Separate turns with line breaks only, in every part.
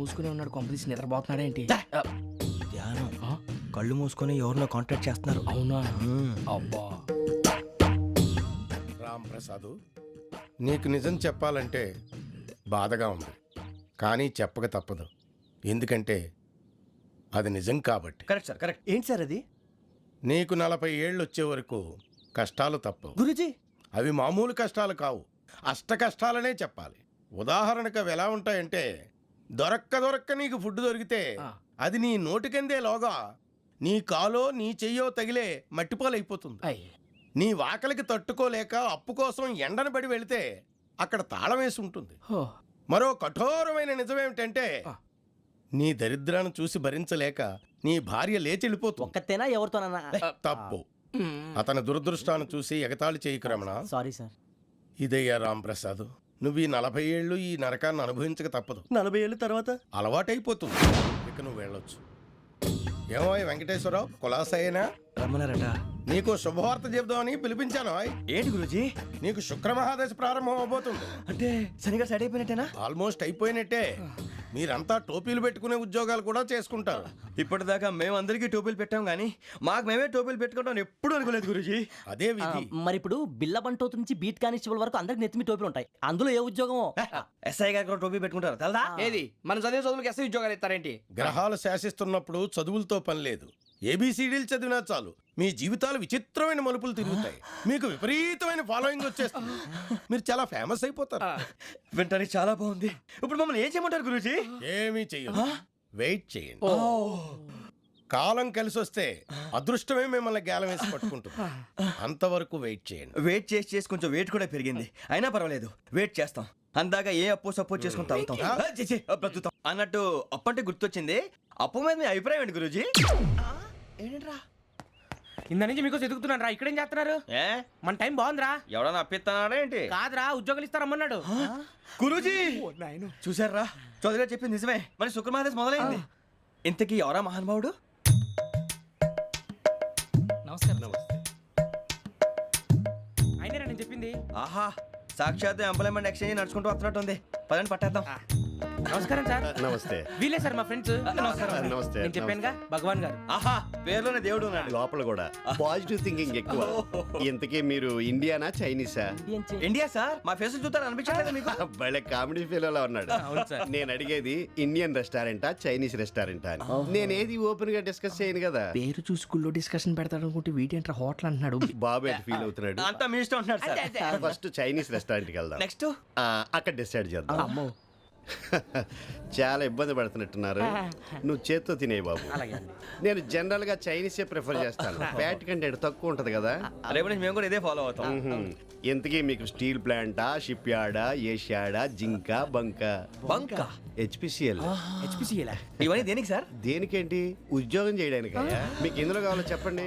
మూసుకునే ఉన్నాడు, కొంపదీసి నిద్రపోతున్నాడేంటి?
ధ్యానం. కళ్ళు మూసుకొని ఎవరినో కాంటాక్ట్ చేస్తున్నారు.
అవునా? అబ్బా.
రామ్ ప్రసాద్, నీకు నిజం చెప్పాలంటే బాధగా ఉంది, కానీ చెప్పక తప్పదు. ఎందుకంటే అది నిజం కాబట్టి.
Correct sir, correct. ఏంటి సార్ అది?
నీకు 40 ఏళ్ళు వచ్చే వరకు కష్టాలు తప్పవు
గురూజీ.
అవి మామూలు కష్టాలు కావు, అష్ట కష్టాలనే చెప్పాలి. ఉదాహరణకు అవి ఎలా ఉంటాయంటే, దొరక్క నీకు ఫుడ్ దొరికితే అది నీ నోటికందే లోగా నీ కాలో నీ చెయ్యో తగిలే మట్టిపాలైపోతుంది. నీ వాకలికి తట్టుకోలేక అప్పు కోసం ఎండను పడి వెళితే అక్కడ తాళం వేసి ఉంటుంది. మరో కఠోరమైన నిజమేమిటంటే, నీ దరిద్రాన్ని చూసి భరించలేక నీ భార్య లేచి వెళ్ళిపోతుంది.
ఒక్కతేనా ఎవరితోనన్నా?
తప్పు. అతని దురదృష్టాన్ని చూసి ఎగతాళి చేయకు రమణ.
Sorry sir.
ఇదయ్యా రాంప్రసాద్, నువ్వు ఈ 40 ఏళ్ళు ఈ నరకాన్ని అనుభవించక తప్పదు.
40 ఏళ్ళ తర్వాత
అలవాటైపోతుంది. ఇక నువ్వు వెళ్ళొచ్చు. ఏమో వెంకటేశ్వరరావు, కులాసైనా
రమ్మన్నారట.
నీకు శుభవార్త చెబుదామని పిలిపించాను.
ఏంటి గురూజీ?
నీకు శుక్రమహాదశ ప్రారంభం అవబోతుంది.
అంటే శనిగా సెట్ అయిపోయినట్టేనా?
ఆల్మోస్ట్ అయిపోయినట్టే. మీరంతా టోపీలు పెట్టుకునే ఉద్యోగాలు కూడా చేసుకుంటారు.
ఇప్పటిదాకా మేమందరికీ టోపీలు పెట్టాం కానీ మాకు మేమే టోపీలు పెట్టుకుంటాం ఎప్పుడు అనుకోలేదు గురూజీ.
అదే విధి.
మరి ఇప్పుడు బిల్ల బంటోతు నుంచి బీట్ కానిస్టేబుల్ వరకు అందరికి నెత్తిమి టోపీలు ఉంటాయి. అందులో ఏ ఉద్యోగం?
ఎస్ఐ గారు కూడా టోపీ పెట్టుకుంటారు తెలదా?
ఏది మన చదివే చదువులకు ఎస్ఐ ఉద్యోగాలు ఇస్తారేంటి?
గ్రహాలు శాసిస్తున్నప్పుడు చదువులతో పని లేదు. ఏబిసిడీలు చదివినా చాలు మీ జీవితాలు విచిత్రమైన మలుపులు తిరుగుతాయి. మీకు విపరీతమైన ఫాలోయింగ్ వచ్చేస్తుంది. మీరు చాలా ఫేమస్ అయిపోతారు.
వింటానికి చాలా బాగుంది. ఇప్పుడు మమ్మల్ని ఏం చేయమంటారు గురూజీ?
ఏమీ చెయ్యదు, వెయిట్ చేయండి. కాలం కలిసి వస్తే అదృష్టమే మిమ్మల్ని గేలం వేసి పట్టుకుంటుంది. అంతవరకు వెయిట్ చేయండి.
వెయిట్ చేసి కొంచెం వెయిట్ కూడా పెరిగింది. అయినా పర్వాలేదు, వెయిట్ చేస్తాం. అందాక ఏ అప్పు సపోర్ట్ చేసుకుని తాగుతాం, బ్రతుకుతాం అన్నట్టు. అప్పు అంటే గుర్తొచ్చింది. అప్పు మీద మీ అభిప్రాయం ఏంటి గురూజీ?
ఏంటరా ఇంత నుంచి మీకు ఎదుగుతున్నాను రా. ఇక్కడేం చేస్తున్నారు?
ఏ
మన టైం బాగుందిరా.
ఎవడన్నా అప్పిస్తున్నాడా ఏంటి?
కాదురా, ఉద్యోగాలు ఇస్తారమ్మన్నాడు.
గురూజీ చూసారా, చౌదరిగా చెప్పింది నిజమే. మరి శుక్రమహాదేశ్ మొదలైంది. ఇంతకీ ఎవరా మహానుభావుడు?
నమస్కారం. అయినరా నేను చెప్పింది?
ఆహా, సాక్షాత్ ఎంప్లాయ్మెంట్ ఎక్స్చేంజ్ నడుచుకుంటూ వస్తున్నట్టు ఉంది. పదండి పట్టేద్దాం.
నమస్కారం సార్.
నమస్తే.
వీలే సార్ మా ఫ్రెండ్స్. నమస్కారం.
నమస్తే.
నేను చెప్పానుగా భగవాన్ గారు.
ఆహా, పేర్లోనే దేవుడు ఉన్నాడు.
లోపల కూడా పాజిటివ్ థింకింగ్ ఎక్కువ. ఇంతకీ మీరు ఇండియానా చైనీసా?
India sir. మా ఫేస్ చూస్తారు అనిపించలేదు మీకు?
భలే కామెడీ ఫీల్ అలా ఉన్నాడు. నేను అడిగేది ఇండియన్ రెస్టారెంటా చైనీస్ రెస్టారెంటా అని. నేనేది ఓపెన్ గా డిస్కస్ చేయను కదా.
పేరు చూసి స్కూల్లో డిస్కషన్ పెడతాడు అనుకుంటే వీటేంట్రా హోటల్ అంటున్నాడు.
బాబు ఎట్ ఫీల్ అవుతున్నాడు.
అంతా మీ ఇష్టం అంటున్నాడు సార్.
ఫస్ట్ చైనీస్ రెస్టారెంట్ కి వెళ్దాం.
నెక్స్ట్
అక్కడ డిసైడ్ చేద్దాం.
అమ్మో,
చాలా ఇబ్బంది పడుతున్నట్టున్నారు. నువ్వు చేత్తో తినే బాబు. నేను జనరల్ గా చైనీసే ప్రిఫర్ చేస్తాను. ఫ్యాట్ కంటెంట్ తక్కువ ఉంటది కదా.
రేపు నుంచి మేము కూడా ఇదే ఫాలో అవుతాం.
ఇంతకీ మీకు స్టీల్ ప్లాంటా, షిప్ యార్డా, ఏషియాడా, జింక, బంకా?
బంకా,
హెచ్పిసిఎల్.
హెచ్పిసిఎలా?
ఇవన్నీ దేనికి సార్?
దేనికేంటి? ఉద్యోగం చేయడానికి. మీకు ఎందులో కావాలో చెప్పండి.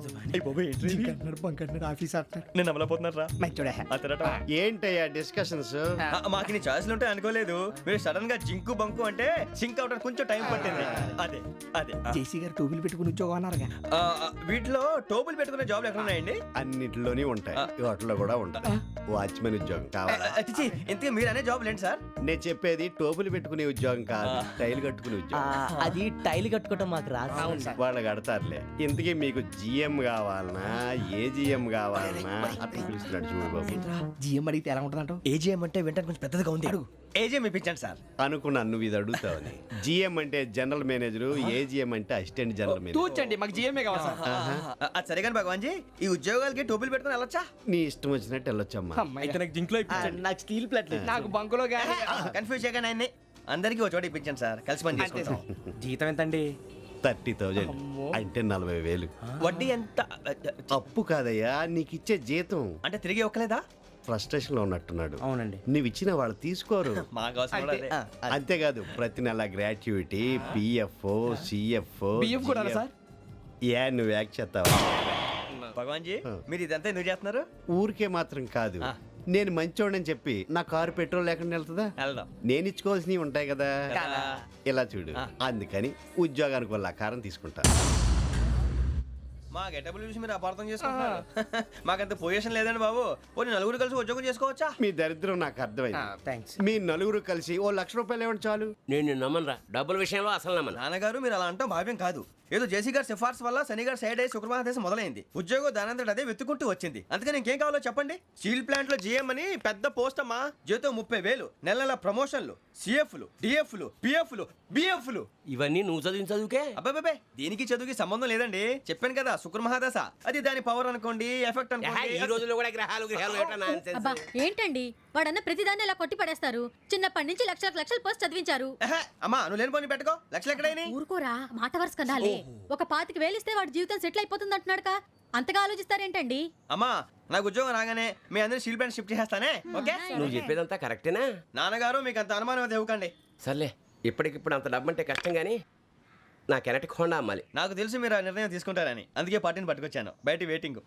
నేను అమలపోతున్నారా?
ఏంటయ్యా డిస్కషన్స్?
మాకు నీ ఛాయిస్లు ఉంటాయి అనుకోలేదు. మీరు సడన్ గా జింకు బంకు అంటే సింక్ అవడానికి కొంచెం టైం పట్టింది. అదే అదే
జేసీ గారు టోపీలు పెట్టుకుని ఉద్యోగం అన్నారుగా.
వీటిలో టోపులు పెట్టుకునే జాబ్లు ఎక్కడ ఉన్నాయండి?
అన్నిటిలోనే ఉంటాయి, వాటిలో కూడా ఉంటాయి. వాచ్మెన్ ఉద్యోగం కావాలా?
ఇంతకీ మీరు అనే జాబ్ ఏంటి సార్?
నేను చెప్పేది టోపులు పెట్టుకునే ఉద్యోగం కాదు, టైల్ కట్టుకునే ఉద్యోగం.
అది టైల్ కట్టుకోవటం మాకు రాదు.
వాళ్ళు కడతారులే. ఇంతకీ మీకు జిఎం కావాలనా, ఏ జిఎం కావాలనా? అట్లా పిలుస్తున్నాడు చూడు బాబు.
జిఎం అడిగితే ఎలా ఉంటుందంట?
ఏజీఎం అంటే వింటానికి కొంచెం పెద్దదిగా ఉంది. ఏజీఎం ఇప్పించండి సార్.
అనుకున్నాను నువ్వు ఇది అడుగుతావని. జిఎం అంటే జనరల్ మేనేజర్, ఏజిఎం అంటే అసిస్టెంట్ జనరల్ మేనేజర్.
తూచండి, మాకు జిఎంఏ కావాలి సార్.
అది సరే కానీ భగవాన్ జీ, ఈ ఉద్యోగాలకి టోపులు పెట్టుకుని వెళ్ళొచ్చా?
నీ ఇష్టం వచ్చినట్టు వెళ్ళొచ్చమ్మా.
అయితే నాకు జింక్లో
నాకు స్టీల్ ప్లేట్
నాకు బంకులో గానీ.
కన్ఫ్యూజ్ చేయగానే ఆయన్ని అందరికీ ఒక చోట ఇప్పించండి సార్, కలిసి పని చేసుకుంటాం.
జీతం ఎంతండి?
30,000 అంటే 40,000.
వడ్డీ ఎంత?
అప్పు కాదయ్యా, నీకు ఇచ్చే జీతం.
అంటే తిరిగి ఒక్కలేదా?
ఫ్రస్ట్రేషన్ లో ఉన్నట్టున్నాడు.
అవునండి.
నువ్వు ఇచ్చిన వాళ్ళు తీసుకోరు.
మాకు అవసరం కూడా అదే.
అంతేకాదు ప్రతి నెల గ్రాట్యుటీ, పిఎఫ్, సిఎఫ్.
బియ్యం కూడా సార్?
ఏ నువ్వు యాక్ చేస్తావా?
భగవాన్ జీ, మీరు ఇదంతా ఎందుకు చేస్తున్నారు?
ఊరికే మాత్రం కాదు, నేను మంచోడని చెప్పి నా కారు పెట్రోల్ లేకుండా వెళ్తుందా?
వెళ్దాం.
నేను ఇచ్చుకోవాల్సినవి ఉంటాయి కదా. ఇలా చూడు, అందుకని ఉద్యోగానికి వాళ్ళ ఆకారం తీసుకుంటా.
మా గెటబుల్ చూసి మీరు అపార్థం చేసుకుంటున్నారు. మాకంత పొజిషన్ లేదండి బాబు. పోనీ నలుగురు కలిసి ఉద్యోగం చేసుకోవచ్చా?
మీ దరిద్రం నాకు అర్థమైంది.
థ్యాంక్స్.
మీ నలుగురు కలిసి ఓ ₹1,00,000 ఇవ్వండి చాలు.
నేను నమ్మనరా, డబ్బుల విషయంలో అసలు నమ్మను.
నాన్నగారు మీరు అలా అంటాం భావ్యం కాదు. ఏదో జేసీ గారి సిఫార్సు వల్ల శని గారు సైడ్ అయ్యి శుక్రవారం మొదలైంది. ఉద్యోగం దానంతటి అదే వెతుకుంటూ వచ్చింది. అందుకని ఇంకేం కావాలో చెప్పండి. స్టీల్ ప్లాంట్ లో జీఎం అని పెద్ద పోస్ట్ అమ్మా. జీతం 30,000, నెల నెల ప్రమోషన్లు, సిఎఫ్లు, డిఎఫ్లు, పిఎఫ్లు, బిఎఫ్లు.
ఇవన్నీ నువ్వు చదివిన చదువుకే.
అబ్బాబే దీనికి చదువుకి సంబంధం లేదండి. చెప్పాను కదా శుక్ర మహాదశ. అది దాని పవర్ అనుకోండి, ఎఫెక్ట్
ఈ
అనుకోండి.
రోజుల్లో కూడా గ్రహాలు ఏటా nonsense?
అబ్బా ఏంటండి వాడన్న ప్రతిదాన్ని ఇలా కొట్టి పడేస్తారు. చిన్నప్పటి నుంచి లక్షలు పోస్ట్ చదివించారు.
అమ్మా నువ్వు లేని పోనీ పెట్టుకో. లక్షలు ఎక్కడైనా
ఊరుకోరా, మాట వరుస కదాలే. ఒక 25,000 ఇస్తే వాడి జీవితం సెటిల్ అయిపోతుంది అంటున్నాడుగా. అంతగా ఆలోచిస్తారేంటండి?
అమ్మా నాకు ఉద్యోగం రాగానే మీ అందరినీ స్టీల్ ప్లాంట్ షిఫ్ట్ చేస్తానే. ఓకే
నువ్వు చెప్పేదంతా కరెక్టేనా?
నాన్నగారు మీకు అంత అనుమానం అయితే ఇవ్వకండి.
సర్లే, ఇప్పటికిప్పుడు అంత డబ్బు అంటే కష్టం కానీ నా కెనటిక్ హోండా అమ్మాలి.
నాకు తెలుసు మీరు ఆ నిర్ణయం తీసుకుంటారని, అందుకే పార్టీని పట్టుకొచ్చాను. బయట వెయిటింగ్.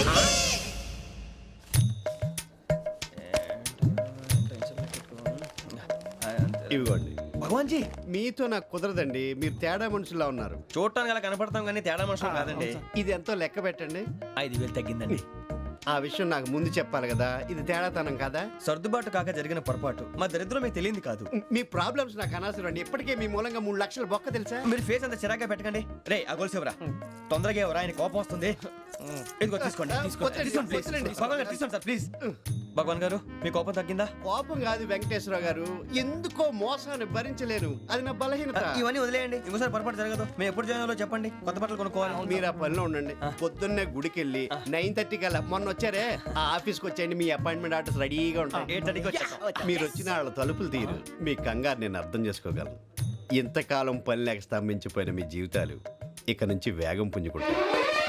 ఇవ్వండి.
భగవాన్ జీ
మీతో నాకు కుదరదండి. మీరు తేడా మనుషుల్లా ఉన్నారు.
చూడటానికి అలా కనపడతాం కానీ తేడా మనుషులు కాదండి.
ఇది ఎంతో లెక్క పెట్టండి.
5,000 తగ్గిందండి.
ఆ విషయం నాకు ముందు చెప్పాలి కదా. ఇది తేడాతనం కదా.
సర్దుబాటు కాక జరిగిన పొరపాటు. మా దరిద్రం మీకు తెలియంది కాదు.
మీ ప్రాబ్లమ్స్ నాకు అనవసరం అండి. ఇప్పటికే మీ మూలంగా 3 లక్షల బొక్క తెలుసా.
మీరు ఫేస్ అంత చిరాగ్గా పెట్టకండి. రే ఆ గొలుసు ఎవరా? తొందరగా ఎవరా? ఆయన కోపం వస్తుంది. ఇదిగో తీసుకోండి. తీసుకోండి ప్లీజ్. భగవాన్ గారు తీసుకోండి సార్ ప్లీజ్. భగవాన్ గారు మీ కోపం తగ్గిందా?
కోపం కాదు వెంకటేశ్వర గారు, ఎందుకో మోసాన్ని భరించలేను. అది నా బలహీనత.
ఇవన్నీ వదిలేయండి. ఇంకోసారి పొరపాటు జరగదు. మేము ఎప్పుడు జాయిన్ అవ్వాలో చెప్పండి. కొత్త బట్టలు కొనుక్కోవాలి.
మీరు ఆ పనిలో ఉండండి. పొద్దున్నే గుడికి వెళ్ళి 9:30 కల్లా మొన్న వచ్చారే ఆ ఆఫీస్కి వచ్చేయండి. మీ అపాయింట్మెంట్ ఆర్డర్స్ రెడీగా ఉంటాయి.
8:30కి వచ్చేస్తాం.
మీరు వచ్చిన వాళ్ళ తలుపులు తీరు. మీ కంగారు నేను అర్థం చేసుకోగలను. ఇంతకాలం పని లేక స్తంభించిపోయిన మీ జీవితాలు ఇక నుంచి వేగం పుంజుకుంటాయి.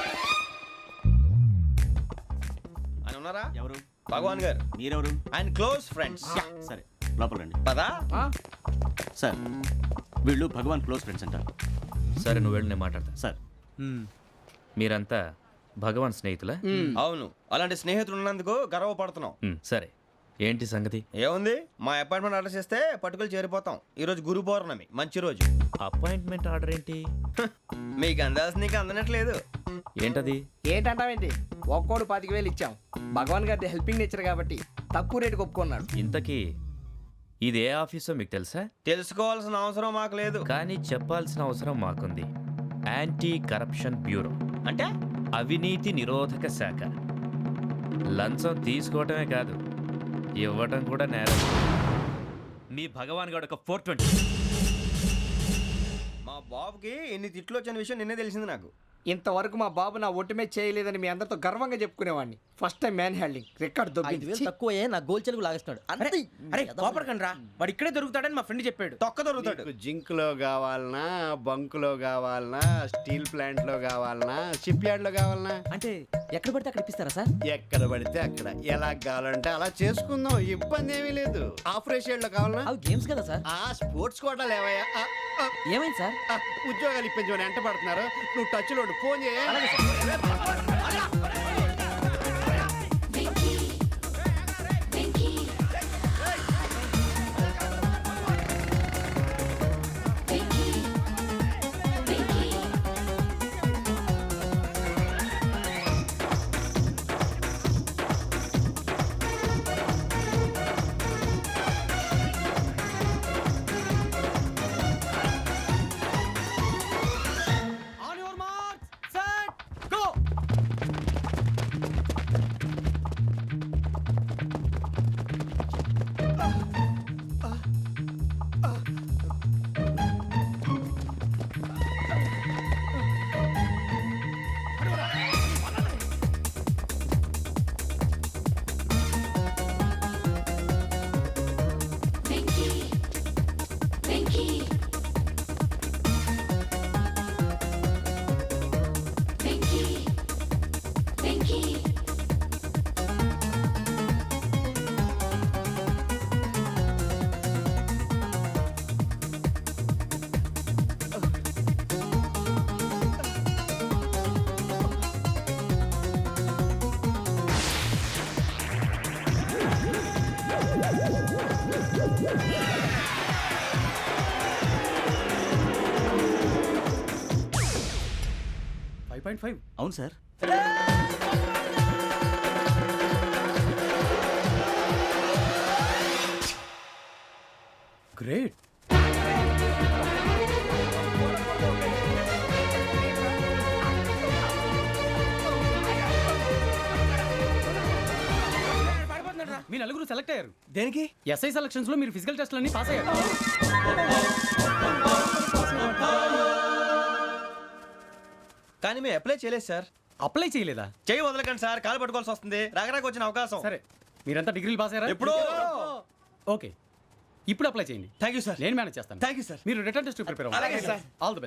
ఆయన ఉన్నారా?
ఎవరు?
భగవాన్ గారు.
మీరెవరు?
ఆయన క్లోజ్ ఫ్రెండ్స్.
సరే లోపల రండి.
పదా
సార్ వీళ్ళు భగవాన్ క్లోజ్ ఫ్రెండ్స్ అంటారు.
సరే నువ్వు వెళ్ళి నేను మాట్లాడతా.
సార్
మీరంతా భగవాన్ స్నేహితులా?
అవును, అలాంటి స్నేహితులు ఉన్నందుకు గర్వపడుతున్నాం.
సరే ఏంటి సంగతి?
ఏముంది, మా అపాయింట్మెంట్ ఆర్డర్ చేస్తే పట్టుకులు చేరిపోతాం. ఈ రోజు గురు పౌర్ణమి, మంచి రోజు.
అపాయింట్మెంట్ ఆర్డర్ ఏంటి?
మీకు అందాల్సిన నీకు అందనట్లేదు.
ఏంటది?
ఏంటంటావేంటి? ఒక్కోడు 25,000 ఇచ్చాం. భగవాన్ గారి హెల్పింగ్ నేచర్ కాబట్టి తక్కువ రేటుకి ఒప్పుకున్నాడు.
ఇంతకీ ఇది ఏ ఆఫీసో మీకు తెలుసా?
తెలుసుకోవాల్సిన అవసరం మాకు లేదు.
కానీ చెప్పాల్సిన అవసరం మాకుంది. యాంటీ కరప్షన్ బ్యూరో
అంటే
అవినీతి నిరోధక శాఖ. లంచం తీసుకోవటమే కాదు, ఇవ్వటం కూడా నేరం. మీ భగవాన్ గారు ఒక 420.
మా బాబుకి ఎన్ని తిట్లు వచ్చిన విషయం నిన్నే తెలిసింది నాకు.
ఇంతవరకు మా బాబు నా ఒట్టుమే చేయలేదని మీ అందరితో గర్వంగా చెప్పుకునేవాడిని. First time man handling record
5,000
దొబ్బింది.
తక్కువే నా గోల్ చెలుగు లాగేస్తున్నాడు. అంతే.
అరే కోపడకండి రా, వాడు ఇక్కడే దొరుకుతాడని మా ఫ్రెండ్ చెప్పాడు.
తొక్క దొరుకుతాడు.
మీకు జింక్ లో కావాలనా, బంక్ లో కావాలనా, స్టీల్ ప్లాంట్ లో కావాలనా, షిప్ యార్డ్ లో కావాలనా?
అంటే ఎక్కడ పడితే అక్కడ ఇప్పిస్తారా సార్?
ఎక్కడ పడితే అక్కడ ఎలా కావాలంటే అలా చేసుకుందాం. ఇబ్బంది ఏమీ లేదు. ఆపరేషన్ లో కావాలనా?
అవి గేమ్స్ కదా సార్.
ఆ స్పోర్ట్స్ కోటా లేవయ్యా.
ఏమైంది సార్?
ఉద్యోగాలు ఇప్పించమని ఎంట పడుతున్నారు. నువ్వు టచ్ లో ఫోన్ చేయ.
9.5.
అవును సార్.
గ్రేట్.
మీ నలుగురు సెలెక్ట్ అయ్యారు.
దేనికి?
ఎస్ఐ సెలక్షన్స్ లో మీరు ఫిజికల్ టెస్ట్ అన్ని పాస్ అయ్యారు.
కానీ మేము అప్లై చేయలేదు సార్.
అప్లై చేయలేదా?
చేయి వదలకండి సార్, కాలు పట్టుకోవాల్సి వస్తుంది. రాగరాకు వచ్చిన అవకాశం.
సరే, మీరంతా డిగ్రీలు పాస్ అయ్యారా?
ఎప్పుడో.
ఓకే, ఇప్పుడు అప్లై చేయండి.
Thank you sir.
నేను మేనేజ్ చేస్తాను.
Thank you sir.
మీరు రిటర్న్ టెస్ట్ ప్రిపేర్ అవ్వండి.
అలాగే సార్.
All the best.